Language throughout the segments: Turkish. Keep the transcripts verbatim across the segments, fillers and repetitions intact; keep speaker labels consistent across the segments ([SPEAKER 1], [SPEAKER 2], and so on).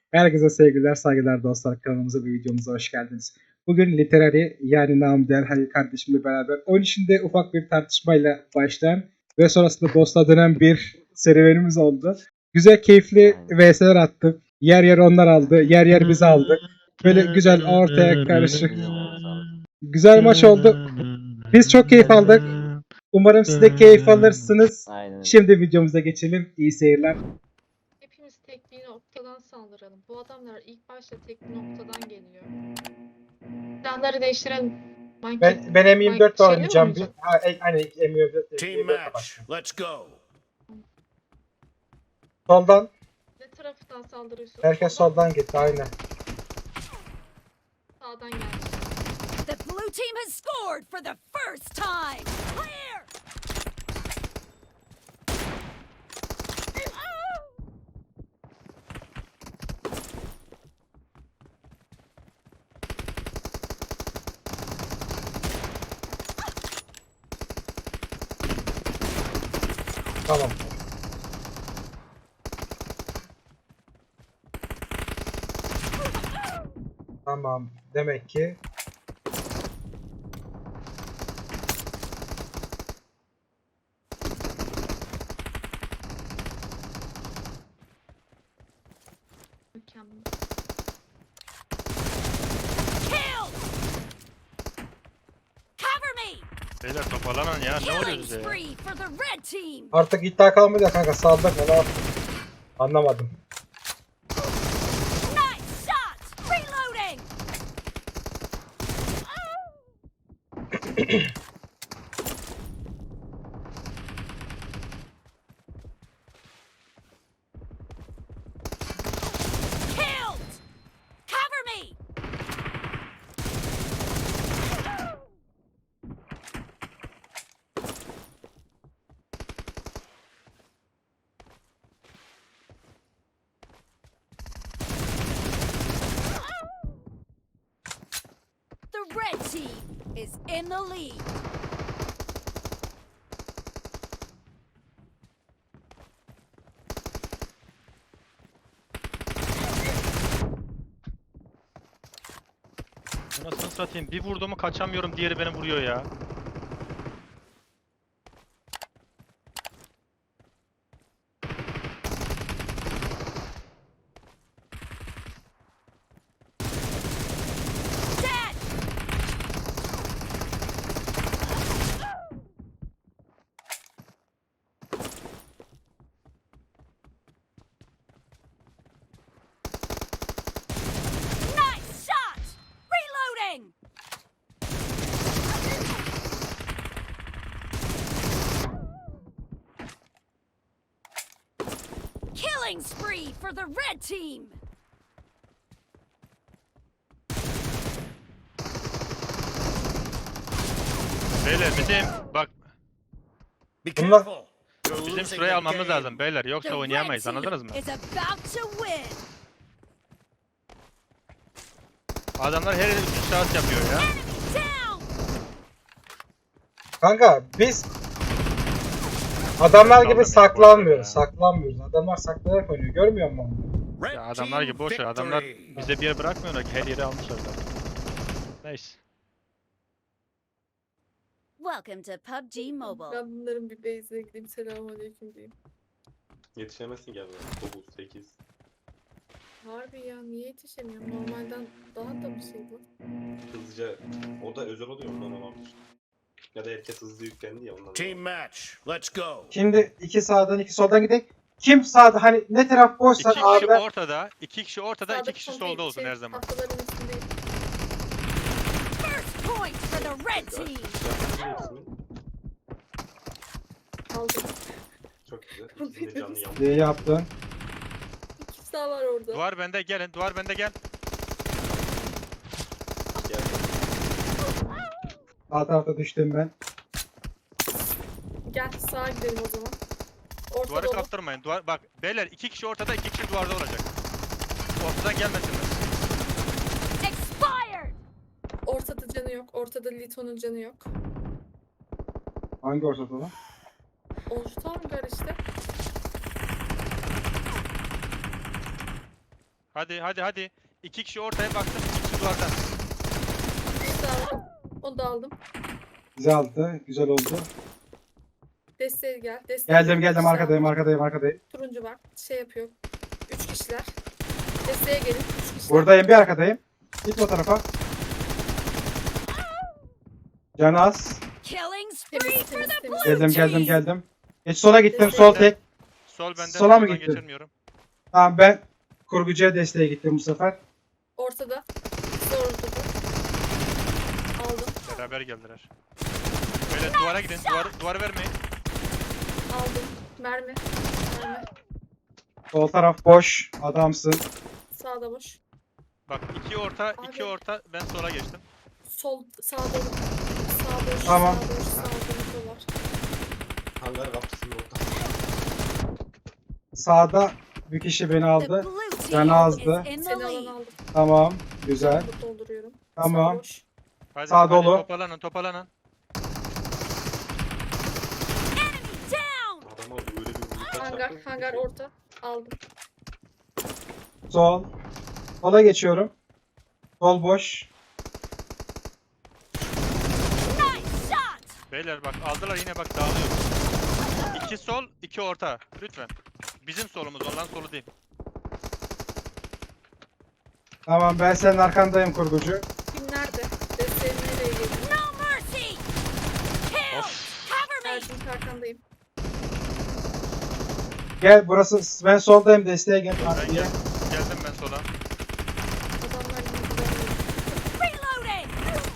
[SPEAKER 1] Herkese sevgiler, saygılar dostlar. Kanalımıza ve videomuza hoş geldiniz. Bugün Literary yani namı değer Halil kardeşimle beraber oyun içinde ufak bir tartışmayla başlayan ve sonrasında boss'a dönen bir serüvenimiz oldu. Güzel, keyifli V S'ler attık. Yer yer onlar aldı, yer yer biz aldık. Böyle güzel ortaya karışık. Güzel maç oldu. Biz çok keyif aldık. Umarım siz de keyif alırsınız.
[SPEAKER 2] Aynen.
[SPEAKER 1] Şimdi videomuza geçelim. İyi seyirler.
[SPEAKER 3] Hepimiz tek bir noktadan saldıralım. Bu adamlar ilk başta tek bir noktadan geliyor. Silahları değiştirelim. Manki,
[SPEAKER 1] Ben, ben M yirmi dört
[SPEAKER 3] şeyle mi
[SPEAKER 1] oynayacağım bir.
[SPEAKER 3] oynayacak?
[SPEAKER 1] Ha, e- hani M yirmi dört.
[SPEAKER 4] Team
[SPEAKER 1] M yirmi dört
[SPEAKER 4] match.
[SPEAKER 1] başlayalım.
[SPEAKER 4] Let's go.
[SPEAKER 1] Soldan.
[SPEAKER 3] Ne taraftan saldırıyorsun?
[SPEAKER 1] Herkes soldan gitti. Aynen.
[SPEAKER 3] Sağdan gelmiş.
[SPEAKER 5] The blue team has scored for the first time. Clear!
[SPEAKER 1] Tamam. Tamam. Demek ki
[SPEAKER 3] Mükemmel.
[SPEAKER 5] Kill! Cover me!
[SPEAKER 6] Beyler toparlanın ya, ne
[SPEAKER 5] Killing
[SPEAKER 6] oluyor bize ya?
[SPEAKER 5] spree for the red team.
[SPEAKER 1] artık iddia kalmadı ya kanka. Saldık mı? Ne yaptık? Anlamadım.
[SPEAKER 5] Nice shot! Reloading! Killed! Cover me! The red team is in the lead.
[SPEAKER 6] Anasını satayım, bir vurduğumu kaçamıyorum, diğeri beni vuruyor ya.
[SPEAKER 5] Dead! Nice shot! Reloading! Killing spree for the red team!
[SPEAKER 6] Beyler bizim, bak
[SPEAKER 4] Be
[SPEAKER 1] Bunlar-
[SPEAKER 4] careful. You're
[SPEAKER 6] bizim
[SPEAKER 4] losing
[SPEAKER 6] şurayı
[SPEAKER 4] the
[SPEAKER 6] almamız
[SPEAKER 4] game.
[SPEAKER 6] lazım beyler,
[SPEAKER 5] The
[SPEAKER 6] yoksa
[SPEAKER 5] red
[SPEAKER 6] oynayamayız,
[SPEAKER 5] team
[SPEAKER 6] anladınız mı?
[SPEAKER 5] is about to win.
[SPEAKER 6] Adamlar her yere üç saat yapıyor ya.
[SPEAKER 5] Enemy down!
[SPEAKER 1] Kanka biz adamlar gibi
[SPEAKER 6] Saldım ya,
[SPEAKER 1] saklanmıyoruz.
[SPEAKER 6] boş ver ya.
[SPEAKER 1] Saklanmıyoruz. Adamlar saklanarak oynuyor. Görmüyor musun?
[SPEAKER 4] Red
[SPEAKER 6] Ya adamlar
[SPEAKER 4] team
[SPEAKER 6] gibi boş ver, adamlar
[SPEAKER 4] victory.
[SPEAKER 6] bize bir yer bırakmıyorlar ki, her yeri almışlar da. Neyse.
[SPEAKER 5] Welcome to P U B G Mobile.
[SPEAKER 3] Ben bunların bir base'ine gideyim. Selamünaleyküm diyeyim.
[SPEAKER 7] Yetişemezsin galiba. dokuz, sekiz.
[SPEAKER 3] Harbi ya, niye yetişemiyorum? Normalden daha da bir şey bu.
[SPEAKER 7] Hızlıca. O da özel oluyor ondan olabilir. Ya da herkes hızlı yüklendi ya ondan.
[SPEAKER 4] Team match. Let's go.
[SPEAKER 1] Şimdi iki sağdan iki soldan gidelim. Kim sağda, hani ne taraf boşsa
[SPEAKER 6] İki kişi
[SPEAKER 1] abiler.
[SPEAKER 6] ortada, iki kişi ortada, iki
[SPEAKER 3] Sağdaki
[SPEAKER 6] kişi
[SPEAKER 3] son
[SPEAKER 6] solda
[SPEAKER 3] değil,
[SPEAKER 6] olsun
[SPEAKER 3] şey,
[SPEAKER 6] her zaman.
[SPEAKER 3] tahtaların üstündeyim.
[SPEAKER 5] First point for the red team.
[SPEAKER 3] Aldım.
[SPEAKER 7] Çok güzel. İkisinin de canlı yandı.
[SPEAKER 1] İyi yaptın.
[SPEAKER 3] İkisi daha var orada.
[SPEAKER 6] Duvar bende, gelin, duvar bende, gel.
[SPEAKER 7] Gel.
[SPEAKER 1] Sağ tarafta düştüm ben.
[SPEAKER 3] Gel sağa gidelim o zaman. Ortada
[SPEAKER 6] Duvarı
[SPEAKER 3] olan-
[SPEAKER 6] kaptırmayın. Duvar, bak beyler, iki kişi ortada, iki kişi duvarda olacak. Ortadan gelmesinler.
[SPEAKER 5] Expired.
[SPEAKER 3] Ortada canı yok. Ortada Lito'nun canı yok.
[SPEAKER 1] Hangi ortada lan?
[SPEAKER 3] Orta hangar işte.
[SPEAKER 6] Hadi hadi hadi. İki kişi ortaya baktım. İki kişi duvarda.
[SPEAKER 2] Bir daha var. Onu da aldım.
[SPEAKER 1] Güzeldi. Güzel oldu.
[SPEAKER 2] Desteğe gel. Desteğe
[SPEAKER 1] Geldim
[SPEAKER 2] gel.
[SPEAKER 1] geldim
[SPEAKER 2] Sağ-
[SPEAKER 1] arkadayım arkadayım arkadayım.
[SPEAKER 2] Turuncu var. Şey yapıyor. Üç kişiler. Desteğe gelin. Üç kişiler.
[SPEAKER 1] Buradayım bir arkadayım. Git o tarafa. Canı az.
[SPEAKER 5] Killing spree
[SPEAKER 2] Temiz,
[SPEAKER 5] for
[SPEAKER 2] temiz,
[SPEAKER 5] the
[SPEAKER 2] temiz.
[SPEAKER 5] blue
[SPEAKER 1] Geldim geldim
[SPEAKER 5] team.
[SPEAKER 1] geldim. Geç sola gittim sol tek.
[SPEAKER 6] Sol bende.
[SPEAKER 1] Sola mı
[SPEAKER 6] soldan
[SPEAKER 1] gittin?
[SPEAKER 6] geçirmiyorum.
[SPEAKER 1] Tamam ben kurgucuya desteğe gittim bu sefer.
[SPEAKER 2] Ortada. Zor ortada. Aldım.
[SPEAKER 6] Beraber geldiler. Böyle duvara gidin. Duvar, duvarı vermeyin.
[SPEAKER 2] Aldım. Mermi. Mermi.
[SPEAKER 1] Sol taraf boş. Adamsın.
[SPEAKER 2] Sağda boş.
[SPEAKER 6] Bak iki orta, iki
[SPEAKER 2] Abi.
[SPEAKER 6] orta. Ben sola geçtim.
[SPEAKER 2] Sol. Sağda. Sağ boş.
[SPEAKER 1] Tamam.
[SPEAKER 2] Sağ boş. Sağda info var.
[SPEAKER 7] Hangar kapısının orada.
[SPEAKER 1] Sağda bir kişi beni
[SPEAKER 5] The
[SPEAKER 1] aldı.
[SPEAKER 5] blue team
[SPEAKER 1] Canı azdı.
[SPEAKER 5] is in the
[SPEAKER 2] Seni alan
[SPEAKER 5] lead.
[SPEAKER 2] aldım.
[SPEAKER 1] Tamam. Güzel.
[SPEAKER 2] Bu dolduruyorum.
[SPEAKER 1] Tamam.
[SPEAKER 2] Sağ boş.
[SPEAKER 6] Hadi,
[SPEAKER 1] Sağ
[SPEAKER 6] hadi
[SPEAKER 1] dolu.
[SPEAKER 6] toparlanın, toparlanın.
[SPEAKER 5] Enemy down.
[SPEAKER 7] Adama öyle bir vuruşa
[SPEAKER 2] Hangar.
[SPEAKER 7] çarptım.
[SPEAKER 2] Hangar orta. Aldım.
[SPEAKER 1] Sol. Sola geçiyorum. Sol boş.
[SPEAKER 5] Nice shot.
[SPEAKER 6] Beyler bak aldılar yine bak dağılıyor. İki sol, iki orta. Lütfen. Bizim solumuz, onların solu değil.
[SPEAKER 1] Tamam ben senin arkandayım kurgucu.
[SPEAKER 2] Kim nerede? Desteğin nereye geliyor?
[SPEAKER 5] No mercy. Kill. Cover me.
[SPEAKER 2] Ercin arkandayım.
[SPEAKER 1] Gel burası ben soldayım desteğe gel.
[SPEAKER 6] Ben
[SPEAKER 1] Diye.
[SPEAKER 6] gel, geldim ben sola.
[SPEAKER 2] Adamlar yine kullanıyor.
[SPEAKER 5] Reloading.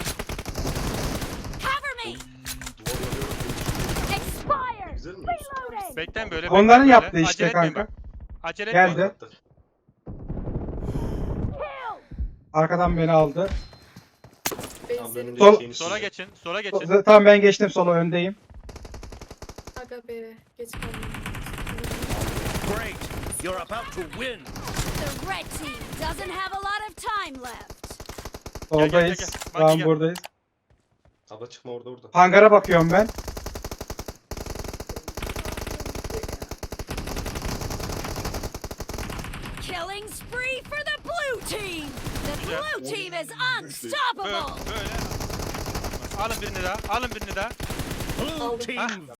[SPEAKER 5] Cover me.
[SPEAKER 7] Duvar yarıyorum.
[SPEAKER 5] Expired.
[SPEAKER 7] Güzel mi?
[SPEAKER 5] Reloading.
[SPEAKER 6] Bekleyin böyle.
[SPEAKER 1] Onların
[SPEAKER 6] bekleyin
[SPEAKER 1] yaptığı
[SPEAKER 6] böyle.
[SPEAKER 1] işte
[SPEAKER 6] Acele etmeyin
[SPEAKER 1] kanka.
[SPEAKER 6] bak. Acele etmeyin.
[SPEAKER 1] Geldi.
[SPEAKER 5] Kill.
[SPEAKER 1] Arkadan beni aldı.
[SPEAKER 7] Tam
[SPEAKER 2] Benzerim.
[SPEAKER 7] önünde
[SPEAKER 1] Sol-
[SPEAKER 7] şeyini
[SPEAKER 6] Sola
[SPEAKER 7] çizdi.
[SPEAKER 6] geçin, sola
[SPEAKER 1] So-
[SPEAKER 6] geçin.
[SPEAKER 1] Tamam ben geçtim sola öndeyim.
[SPEAKER 2] Aga be. Geç kaldım.
[SPEAKER 4] Great. You're about to win.
[SPEAKER 5] The red team doesn't have a lot of time left.
[SPEAKER 6] Gel, gel,
[SPEAKER 1] Soldayız.
[SPEAKER 6] gel, gel. Bak,
[SPEAKER 1] Tamam
[SPEAKER 6] gel.
[SPEAKER 1] buradayız.
[SPEAKER 7] Abla çıkma orada orada.
[SPEAKER 1] Hangara bakıyorum ben.
[SPEAKER 5] Killing spree for the blue team. The
[SPEAKER 6] Güzel.
[SPEAKER 5] blue team is
[SPEAKER 6] Böyle,
[SPEAKER 5] unstoppable.
[SPEAKER 6] böyle. Alın birini daha, alın birini daha.
[SPEAKER 4] Blue
[SPEAKER 2] Aldım.
[SPEAKER 4] team